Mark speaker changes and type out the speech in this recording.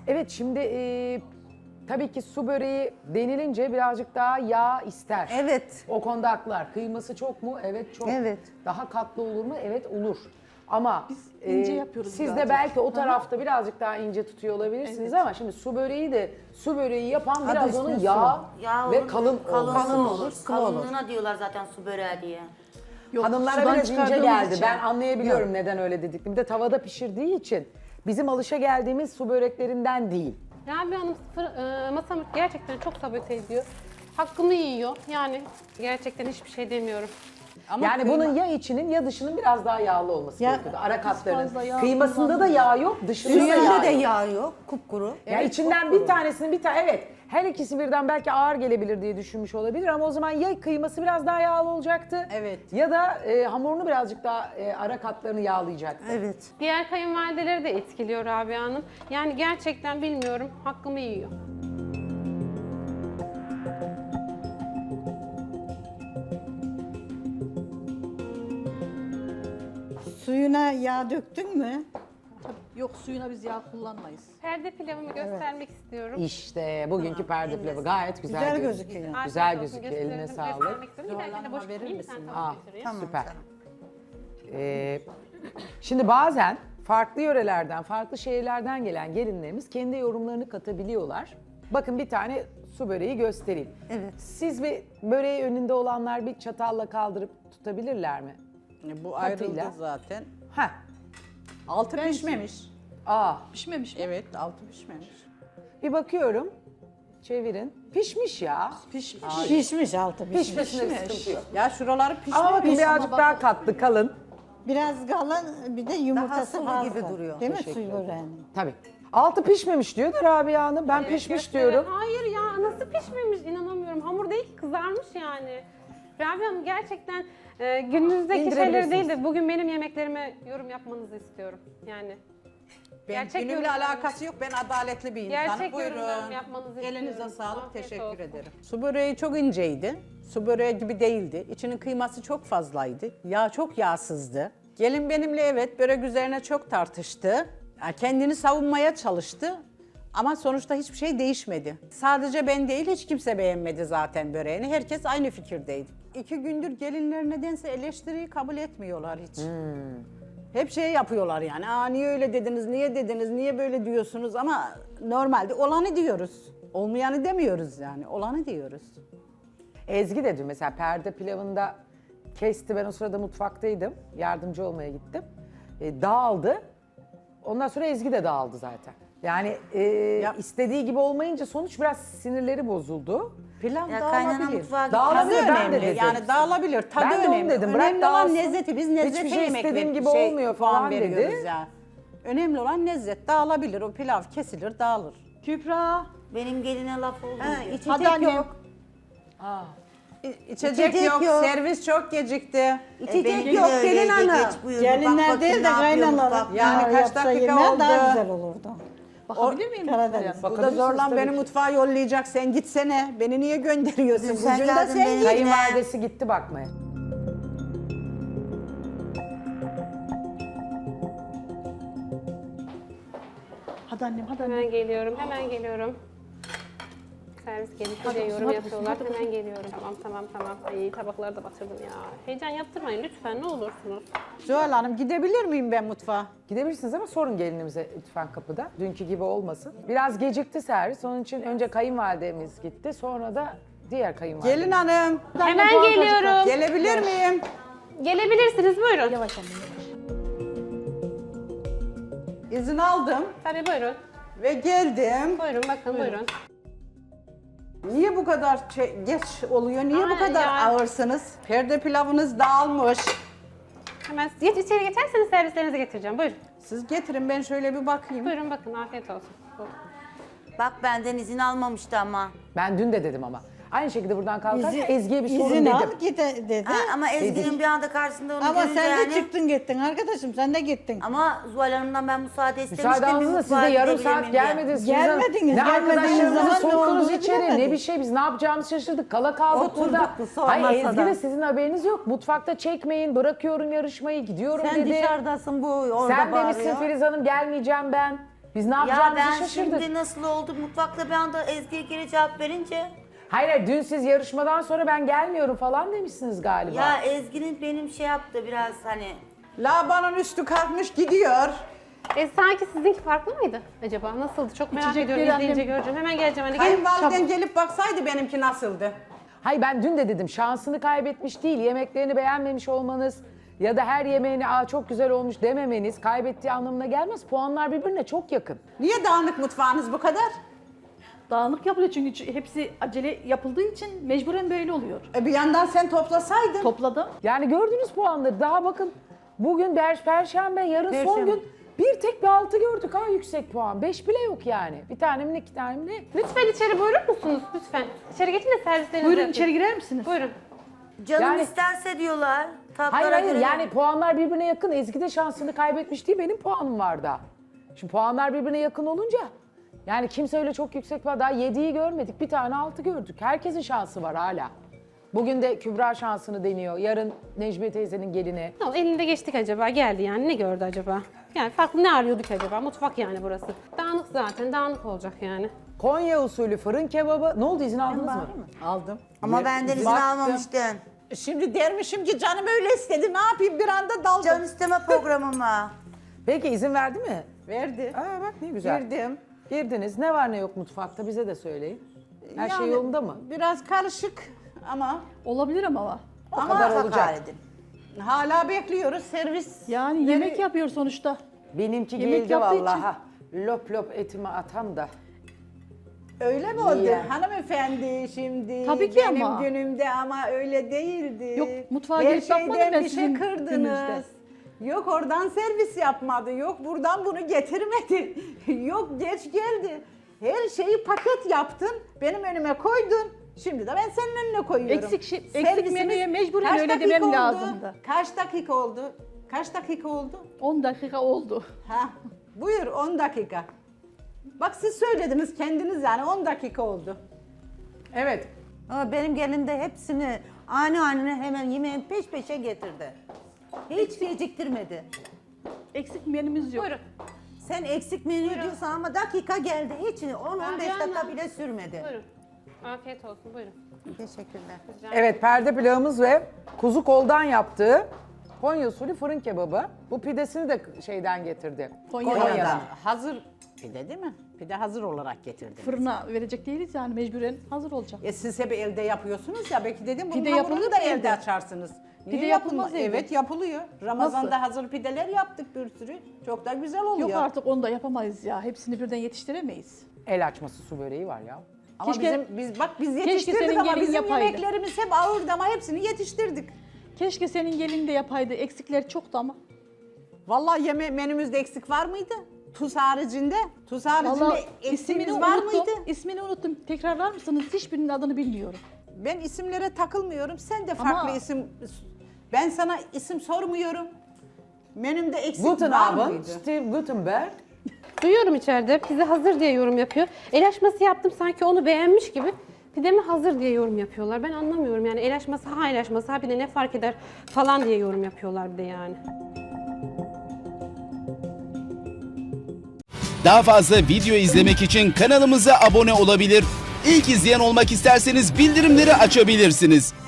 Speaker 1: Evet şimdi tabii ki su böreği denilince birazcık daha yağ ister.
Speaker 2: Evet.
Speaker 1: O konuda haklılar. Kıyması çok mu? Evet çok.
Speaker 2: Evet.
Speaker 1: Daha katlı olur mu? Evet olur. Ama
Speaker 3: ince yapıyoruz
Speaker 1: siz de
Speaker 3: birazcık.
Speaker 1: belki o tarafta birazcık daha ince tutuyor olabilirsiniz ama şimdi su böreği de su böreği yapan biraz
Speaker 2: ismi
Speaker 1: onun
Speaker 2: su.
Speaker 4: Yağ
Speaker 1: ve
Speaker 4: olur,
Speaker 1: kalın olması.
Speaker 4: kalın olur.
Speaker 2: sıvı olur.
Speaker 4: Kalınlığına diyorlar zaten su böreği diye.
Speaker 3: Yok,
Speaker 1: Hanımlara
Speaker 3: sudan
Speaker 1: biraz ince
Speaker 3: çıkardığımız
Speaker 1: geldi.
Speaker 3: için.
Speaker 1: Ben anlayabiliyorum neden öyle dediklerini. Bir de tavada pişirdiği için bizim alışa geldiğimiz su böreklerinden değil.
Speaker 5: Rabia Hanım masamı gerçekten çok sabote ediyor. Hakkımı yiyor. Yani gerçekten hiçbir şey demiyorum.
Speaker 2: Ama
Speaker 1: Yani
Speaker 2: kıyma-
Speaker 1: bunun ya içinin ya dışının biraz daha yağlı olması
Speaker 2: Ya,
Speaker 1: gerekiyordu. Ara
Speaker 3: fazla
Speaker 1: katlarının.
Speaker 3: yağ
Speaker 1: Kıymasında da yağ yok, dışında da yağ
Speaker 2: Üstünde
Speaker 1: yok.
Speaker 2: de yağ yok, kupkuru.
Speaker 1: Ya içinden bir tanesini evet her ikisi birden belki ağır gelebilir diye düşünmüş olabilir ama o zaman ya kıyması biraz daha yağlı olacaktı
Speaker 2: Evet.
Speaker 1: ya da hamurunu birazcık daha ara katlarını yağlayacaktı.
Speaker 2: Evet.
Speaker 5: Diğer kayınvalideleri de etkiliyor Rabia Hanım. Yani gerçekten bilmiyorum. Hakkımı yiyor.
Speaker 6: Suyuna yağ döktün mü?
Speaker 3: Yok, suyuna biz yağ kullanmayız.
Speaker 5: Perde pilavımı göstermek istiyorum.
Speaker 1: İşte bugünkü perde pilavı gayet güzel,
Speaker 6: Güzel
Speaker 1: gözüküyor.
Speaker 6: gözüküyor.
Speaker 1: Güzel
Speaker 5: Afiyet olsun,
Speaker 1: gözüküyor. Eline
Speaker 5: gösterelim,
Speaker 1: sağlık.
Speaker 5: göstermek istiyorum. Bir dahakine boş
Speaker 2: verir
Speaker 5: tutmayayım,
Speaker 2: misin?
Speaker 5: sen
Speaker 1: Ah,
Speaker 5: tabak götüreyim.
Speaker 2: Tamam,
Speaker 1: süper.
Speaker 2: canım.
Speaker 1: Şimdi bazen farklı yörelerden, farklı şehirlerden gelen gelinlerimiz kendi yorumlarını katabiliyorlar. Bakın bir tane su böreği göstereyim.
Speaker 2: Evet.
Speaker 1: Siz bir böreği önünde olanlar bir çatalla kaldırıp tutabilirler mi?
Speaker 7: Bu ayrıldı
Speaker 1: Katıyla.
Speaker 7: zaten.
Speaker 1: Heh.
Speaker 7: Altı pişmemiş.
Speaker 1: Aa,
Speaker 3: Pişmemiş mi?
Speaker 7: Evet, altı pişmemiş.
Speaker 1: bir bakıyorum. Çevirin. Pişmiş ya.
Speaker 6: Pişmiş altı pişmiş.
Speaker 1: Pişmesine bir sıkıntı yok.
Speaker 7: Ya şuraları pişmemiş.
Speaker 1: Ama bakın birazcık daha katlı, kalın.
Speaker 6: Biraz kalın bir de yumurtası
Speaker 2: sıvı
Speaker 6: fazla.
Speaker 2: gibi duruyor.
Speaker 6: Değil mi suyu böreğinin?
Speaker 1: Tabii. Altı pişmemiş diyor da Rabia Hanım. Ben pişmiş
Speaker 5: Gösterin.
Speaker 1: diyorum.
Speaker 5: Hayır ya, nasıl pişmemiş, inanamıyorum. Hamur değil ki, kızarmış yani. Rabia Hanım gerçekten gününüzdeki şeyleri
Speaker 1: İndirebilirsiniz.
Speaker 5: değil de bugün benim yemeklerime yorum yapmanızı istiyorum. Yani
Speaker 7: Ben
Speaker 5: gerçek
Speaker 7: günümle
Speaker 5: yorumlarım-
Speaker 7: alakası yok. Ben adaletli bir insanım.
Speaker 5: Gerçek yorumlarımı
Speaker 7: Buyurun.
Speaker 5: yapmanızı
Speaker 7: Elinize
Speaker 5: istiyorum.
Speaker 7: sağlık.
Speaker 5: Afiyet
Speaker 7: Teşekkür
Speaker 5: olsun.
Speaker 7: ederim. Su böreği çok inceydi. Su böreği gibi değildi. İçinin kıyması çok fazlaydı. Yağ çok yağsızdı. Gelin benimle evet börek üzerine çok tartıştı. Ya kendini savunmaya çalıştı. Ama sonuçta hiçbir şey değişmedi. Sadece ben değil, hiç kimse beğenmedi zaten böreğini. Herkes aynı fikirdeydi. 2 gündür gelinler nedense eleştiriyi kabul etmiyorlar hiç. Hep şey yapıyorlar yani. Aa niye öyle dediniz, niye dediniz, niye böyle diyorsunuz ama normalde olanı diyoruz. Olmayanı demiyoruz yani, olanı diyoruz.
Speaker 1: Ezgi de dün mesela perde pilavında kesti. Ben o sırada mutfaktaydım. Yardımcı olmaya gittim. Dağıldı. Ondan sonra Ezgi de dağıldı zaten. Yani istediği gibi olmayınca sonuç biraz sinirleri bozuldu.
Speaker 7: Pilav
Speaker 4: Ya kaynana
Speaker 7: dağılabilir.
Speaker 4: mutfağa
Speaker 1: Dağılabilir,
Speaker 7: Tadı
Speaker 1: ben de
Speaker 7: önemli
Speaker 1: dedim.
Speaker 7: yani dağılabilir, tadı
Speaker 1: Ben de onu
Speaker 7: önemli.
Speaker 1: dedim, bırak
Speaker 7: Önemli olan
Speaker 1: dağılsın.
Speaker 7: lezzeti, biz
Speaker 1: Hiçbir
Speaker 7: lezzete
Speaker 1: şey
Speaker 7: yemek
Speaker 1: istediğim gibi
Speaker 7: şey,
Speaker 1: olmuyor
Speaker 7: puan
Speaker 1: falan dedi.
Speaker 7: veriyoruz ya. Önemli olan lezzet, dağılabilir. O pilav kesilir, dağılır.
Speaker 3: Kübra.
Speaker 4: Benim geline laf oldu. diyor.
Speaker 2: İçecek
Speaker 3: Hadi annem.
Speaker 2: yok.
Speaker 7: İçecek
Speaker 2: İçecek
Speaker 7: yok,
Speaker 2: yok.
Speaker 7: servis çok gecikti.
Speaker 2: İçecek
Speaker 4: benimki
Speaker 2: yok
Speaker 4: de öyleydi,
Speaker 2: gelin hanım.
Speaker 4: geç buyurdu. Bak
Speaker 6: Gelinler
Speaker 4: bakayım
Speaker 6: değil de
Speaker 4: ne yapıyor
Speaker 6: kaynalar
Speaker 4: mutfakta.
Speaker 7: Yani kaç
Speaker 6: yapsa
Speaker 7: dakika
Speaker 6: yemeğe
Speaker 7: oldu?
Speaker 6: daha güzel olurdu.
Speaker 3: Bakabilir miyim?
Speaker 6: Karadeniz.
Speaker 7: Bu da zorlan beni mutfağa yollayacak, sen gitsene. Beni niye gönderiyorsun?
Speaker 4: Dün sen
Speaker 7: Bugün de
Speaker 4: geldin
Speaker 7: sen
Speaker 4: benim
Speaker 7: git.
Speaker 1: Kayınvalidesi gitti bakmaya.
Speaker 3: Hadi annem, hadi annem.
Speaker 5: Hemen geliyorum, hemen geliyorum. Servis gelince de yorum yapıyorlar. Hemen geliyorum. Tamam. Ay tabakları da batırdım ya. Heyecan yaptırmayın lütfen, ne olursunuz.
Speaker 7: Zuhal Hanım gidebilir miyim ben mutfağa?
Speaker 1: Gidebilirsiniz ama sorun gelinimize lütfen kapıda. Dünkü gibi olmasın. Biraz gecikti servis. Onun için önce kayınvalidemiz gitti. Sonra da diğer kayınvalidemiz.
Speaker 7: Gelin hanım.
Speaker 5: Hemen geliyorum.
Speaker 7: Gelebilir miyim?
Speaker 5: Gelebilirsiniz, buyurun.
Speaker 3: Yavaş annem.
Speaker 7: İzin aldım
Speaker 5: Tabii buyurun.
Speaker 7: ve geldim.
Speaker 5: Buyurun bakın, buyurun.
Speaker 7: Niye bu kadar geç oluyor? Niye bu
Speaker 5: Ay
Speaker 7: kadar
Speaker 5: ya.
Speaker 7: ağırsınız? Perde pilavınız dağılmış.
Speaker 5: Hemen içeri geçerseniz servislerinizi getireceğim. Buyurun.
Speaker 7: Siz getirin ben şöyle bir bakayım.
Speaker 5: Buyurun bakın, afiyet olsun. Buyurun.
Speaker 4: Bak benden izin almamıştı ama.
Speaker 1: Ben dün de dedim ama. Aynı şekilde buradan kalkarken Ezgi'ye bir sorun
Speaker 6: İzin
Speaker 1: dedim.
Speaker 6: al git dedi.
Speaker 4: Ha, ama Ezgi'nin bir anda karşısında onu
Speaker 6: Ama
Speaker 4: görünce
Speaker 6: sen de
Speaker 4: yani.
Speaker 6: çıktın gittin arkadaşım sen de gittin.
Speaker 4: Ama Zuhal Hanım'dan ben müsaade istemiştim.
Speaker 1: Müsaade aldınız da siz de
Speaker 4: mutfağa
Speaker 1: yarım
Speaker 4: gidebilir
Speaker 1: saat
Speaker 4: miyim diye.
Speaker 1: gelmediniz.
Speaker 6: Gelmediniz,
Speaker 1: Ne
Speaker 6: gelmediğiniz
Speaker 1: arkadaşlarınızı
Speaker 6: zaman ne
Speaker 1: soktunuz
Speaker 6: olduğunu
Speaker 1: içeri, ne
Speaker 6: bilemedik.
Speaker 1: bir şey. Biz ne yapacağımızı şaşırdık. Kala kaldık
Speaker 2: Oturduk
Speaker 1: burada.
Speaker 2: bu son
Speaker 1: Hayır
Speaker 2: masada.
Speaker 1: Ezgi de sizin haberiniz yok. Mutfakta çekmeyin, bırakıyorum yarışmayı, gidiyorum
Speaker 2: Sen
Speaker 1: dedi.
Speaker 2: dışarıdasın bu orada
Speaker 1: Sen demişsin
Speaker 2: bağırıyor.
Speaker 1: Filiz Hanım gelmeyeceğim ben. Biz ne
Speaker 4: Ya
Speaker 1: yapacağımızı
Speaker 4: ben
Speaker 1: şaşırdık.
Speaker 4: şimdi nasıl oldu mutfakta bir anda Ezgi'ye geri cevap verince.
Speaker 1: Hayır, hayır, dün siz yarışmadan sonra ben gelmiyorum falan demişsiniz galiba.
Speaker 4: Ya Ezgi'nin benim şey yaptı biraz hani.
Speaker 7: Labanın üstü kalkmış gidiyor.
Speaker 5: Sanki sizinki farklı mıydı acaba? Nasıldı? Çok merak
Speaker 3: İçecekleri
Speaker 5: ediyorum. İzleyince
Speaker 3: annem-
Speaker 5: göreceğim. Hemen geleceğim. Hadi gelin.
Speaker 7: Kayınvaliden gelip baksaydı benimki nasıldı?
Speaker 1: Hayır, ben dün de dedim şansını kaybetmiş değil, yemeklerini beğenmemiş olmanız ya da her yemeğini "Aa, çok güzel olmuş" dememeniz kaybettiği anlamına gelmez. Puanlar birbirine çok yakın.
Speaker 7: Niye dağınık mutfağınız bu kadar?
Speaker 3: Dağınık yapılıyor çünkü hepsi acele yapıldığı için mecburen böyle oluyor.
Speaker 7: Bir yandan sen toplasaydın.
Speaker 3: Topladım.
Speaker 1: Yani gördünüz puanları. Daha bakın bugün Perşembe, yarın son
Speaker 4: Perşembe.
Speaker 1: gün bir tek bir 6 gördük ha, yüksek puan. 5 bile yok yani. Bir tane mi ne, iki tane mi ne?
Speaker 5: Lütfen içeri buyurur musunuz? Lütfen. İçeri geçin de servislerinizi
Speaker 3: Buyurun
Speaker 5: yapın.
Speaker 3: içeri girer misiniz?
Speaker 5: Buyurun.
Speaker 4: Canım
Speaker 1: Yani-
Speaker 4: isterse diyorlar. Tatlara
Speaker 1: Hayır hayır,
Speaker 4: göre.
Speaker 1: yani puanlar birbirine yakın. Ezgi de şansını kaybetmiş değil, benim puanım var da. Şimdi puanlar birbirine yakın olunca yani kimse öyle çok yüksek var. Daha 7'yi görmedik, bir tane 6 gördük. Herkesin şansı var hala. Bugün de Kübra şansını deniyor. Yarın Necmiye teyzenin gelini.
Speaker 5: Ne oldu? Elinde geçtik acaba? Geldi yani. Ne gördü acaba? Yani farklı ne arıyorduk acaba? Mutfak yani burası. Dağınık zaten. Dağınık olacak yani.
Speaker 1: Konya usulü fırın kebabı. Ne oldu, izin aldınız mı?
Speaker 7: Aldım.
Speaker 4: Ama benden izin
Speaker 7: Baktım.
Speaker 4: almamıştın.
Speaker 7: Şimdi dermişim ki canım öyle istedi, ne yapayım, bir anda daldım.
Speaker 4: Can isteme programıma.
Speaker 1: Peki izin verdi mi?
Speaker 7: Verdi.
Speaker 1: Aa bak ne güzel.
Speaker 7: Girdim.
Speaker 1: Girdiniz. Ne var ne yok mutfakta bize de söyleyin. Her şey
Speaker 7: Yani
Speaker 1: yolunda mı?
Speaker 7: Biraz karışık ama
Speaker 3: Olabilir ama.
Speaker 1: O kadar
Speaker 4: Mutfak
Speaker 1: olacak.
Speaker 4: halidin.
Speaker 7: hala bekliyoruz servis.
Speaker 3: Yani yemek yapıyor sonuçta.
Speaker 1: Benimki
Speaker 3: Yemek
Speaker 1: geldi
Speaker 3: yaptığı için.
Speaker 1: vallaha. Lop lop etimi atam da.
Speaker 7: Öyle mi oldu
Speaker 1: İyi.
Speaker 7: hanımefendi şimdi?
Speaker 3: Tabii ki
Speaker 7: benim
Speaker 3: ama.
Speaker 7: günümde ama öyle değildi.
Speaker 3: Yok, mutfağa
Speaker 7: Her
Speaker 3: gelip bakmadım
Speaker 7: şeyden
Speaker 3: ben
Speaker 7: bir şey
Speaker 3: sizin
Speaker 7: kırdınız.
Speaker 3: gününüzde.
Speaker 7: Yok oradan servis yapmadı, yok buradan bunu getirmedi, yok geç geldi. Her şeyi paket yaptın, benim önüme koydun. Şimdi de ben senin önüne koyuyorum.
Speaker 3: Eksik
Speaker 7: Servisimiz
Speaker 3: menüye mecburen
Speaker 7: kaç
Speaker 3: öyle
Speaker 7: dakika
Speaker 3: demem
Speaker 7: oldu?
Speaker 3: lazımdı.
Speaker 7: Kaç dakika oldu? Kaç dakika oldu?
Speaker 3: 10 dakika oldu.
Speaker 7: Ha, buyur 10 dakika. Bak siz söylediniz kendiniz, yani 10 dakika oldu.
Speaker 1: Evet.
Speaker 2: Ama benim gelin de hepsini ani hemen yemeğin peş peşe getirdi. Hiç geciktirmedi.
Speaker 3: Eksik menümüz yok.
Speaker 5: Buyurun.
Speaker 2: Sen eksik menü diyorsan ama dakika geldi. Hiç 10-15 dakika bile sürmedi.
Speaker 5: Buyurun. Afiyet olsun. Buyurun.
Speaker 2: Teşekkürler.
Speaker 1: Evet, perde pilavımız ve kuzu koldan yaptığı Konya usulü fırın kebabı. Bu pidesini de şeyden getirdi.
Speaker 7: Konya'dan. Hazır pide değil mi? Pide hazır olarak getirdiniz.
Speaker 3: Fırına verecek değiliz yani mecburen hazır olacak.
Speaker 7: Siz hep elde yapıyorsunuz ya, belki dedim bunun
Speaker 3: Pide
Speaker 7: hamurunu
Speaker 3: yapılır
Speaker 7: da
Speaker 3: mı
Speaker 7: elde
Speaker 3: evde?
Speaker 7: açarsınız. Niye
Speaker 3: Pide yapılmaz
Speaker 7: yapılma-
Speaker 3: evde.
Speaker 7: Evet yapılıyor. Ramazan'da
Speaker 3: Nasıl?
Speaker 7: hazır pideler yaptık bir sürü. Çok da güzel oluyor.
Speaker 3: Yok artık onu da yapamayız ya. Hepsini birden yetiştiremeyiz.
Speaker 1: El açması su böreği var ya.
Speaker 7: Ama
Speaker 3: Keşke-
Speaker 7: biz
Speaker 3: Keşke
Speaker 7: yetiştirdik
Speaker 3: senin
Speaker 7: ama
Speaker 3: gelin
Speaker 7: bizim
Speaker 3: yapaydı.
Speaker 7: yemeklerimiz hep ağırdı ama hepsini yetiştirdik.
Speaker 3: Keşke senin gelin de yapaydı. Eksikler çoktu ama.
Speaker 7: Vallahi menümüzde eksik var mıydı? Tuz haricinde. Tuz haricinde
Speaker 3: Vallahi
Speaker 7: eksiğimiz
Speaker 3: ismini
Speaker 7: var
Speaker 3: unuttum.
Speaker 7: mıydı?
Speaker 3: İsmini unuttum. Tekrarlar mısınız? Hiçbirinin adını bilmiyorum.
Speaker 7: Ben isimlere takılmıyorum. Sen de farklı
Speaker 3: Ama-
Speaker 7: isim... Ben sana isim sormuyorum. Menümde eksik
Speaker 1: Guten
Speaker 7: var
Speaker 1: Abend,
Speaker 7: mıydı?
Speaker 1: Steve Gutenberg.
Speaker 5: Duyuyorum içeride. Pide hazır diye yorum yapıyor. El açması yaptım sanki onu beğenmiş gibi. Pidemi hazır diye yorum yapıyorlar. Ben anlamıyorum yani el açması ha el açması ha pide ne fark eder falan diye yorum yapıyorlar bir de yani.
Speaker 8: Daha fazla video izlemek için kanalımıza abone olabilir. İlk izleyen olmak isterseniz bildirimleri açabilirsiniz.